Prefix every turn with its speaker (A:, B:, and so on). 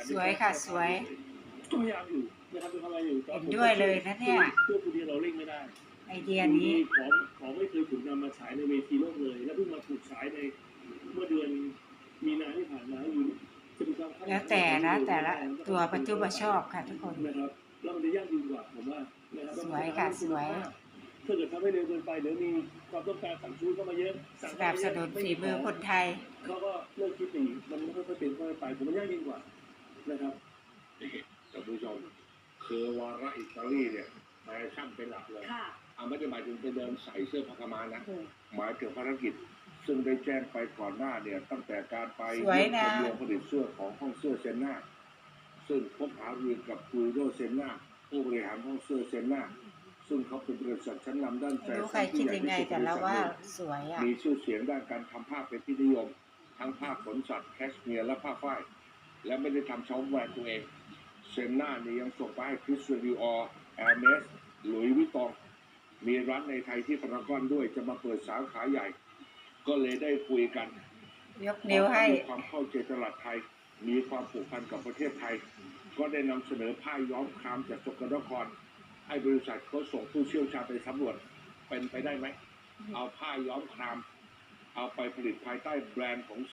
A: สวยค่ะสวย
B: ก็พยายามอยู่นะครับทำอะไรอยู่
A: เห็นด้วยเลยนะเนี่ย
B: เพื่อคนเดียวเราเร่งไม่ได้
A: ไอเดียนี้
B: ของไม่เคยถูกนำมาฉายในเวทีโลกเลยและเพิ่งมาถูกฉายในเมื่อเดือนมีนาที่ผ่านมาอยู่จะมีความ
A: แล้วแต่ละตัวประจุประชอบค่ะทุกคน
B: นะครับแล้วมันจะยากยิ่งกว่าผมว่านะครับ
A: สวยค่ะสวย
B: ถ้าเกิดทำให้เร็วเกินไปเดี๋ยวมีความต้องการสั่งซื้อเข้ามาเยอะ
A: สนับสนุนฝีมือคนไทย
B: เขาก็เลิกคิดหนีมันไม่ค่อยเป็นค่อยไปผมมันยากยิ่งกว่านะครับ
C: ท่านผู้ชมคือวาระอิตาลีเนี่ยแฟชั่นเป็นหลักเลยไม่ได้หมายถึงไปเดินใส่เสื้อผ้ากามานะหมายถึงภารกิจซึ่งได้แจ้งไปก่อนหน้าเนี่ยตั้งแต่การไป
A: สวยนะ
C: โรงผลิตเสื้อของห้องเสื้อเซนนาซึ่งพบหารือกับคูโดเซนนาผู้บริหารห้องเสื้อเซนนาซึ่งเขาเป็นบริษัทชั้นนำด้านแฟ
A: ไม่รู้ใคร
C: ชั่น
A: คิ
C: ที่
A: ด
C: ใหญ่
A: ยังไง
C: ที่สุด
A: แต่
C: ใน
A: เรา
C: สห
A: ว่า
C: รัฐ
A: สวยอ่ะ
C: มีชื่อเสียงด้านการทำผ้าเป็นที่นิยมทั้งผ้าขนสัตว์แคชเมียร์และผ้าฝ้ายและไม่ได้ทำเฉพาะแบรนด์ตัวเองเซนนาเนี่ยยังส่งไปให้คริสเตียนดิออร์แอร์เมสหลุยส์วิตตองมีร้านในไทยที่พารากอนด้วยจะมาเปิดสาขาใหญ่ ก็เลยได้คุยกัน
A: ยกนิ้วให้
C: มีความเข้าใจตลาดไทย มีความผูกพันกับประเทศไทย ก็ได้นำเสนอผ้าย้อมครามจากสกลนครให้บริษัทเขาส่งผู้เชี่ยวชาญไปสำรวจเป็นไปได้ไหมเอาผ้าย้อมครามเอาไปผลิตภายใต้แบรนด์ของ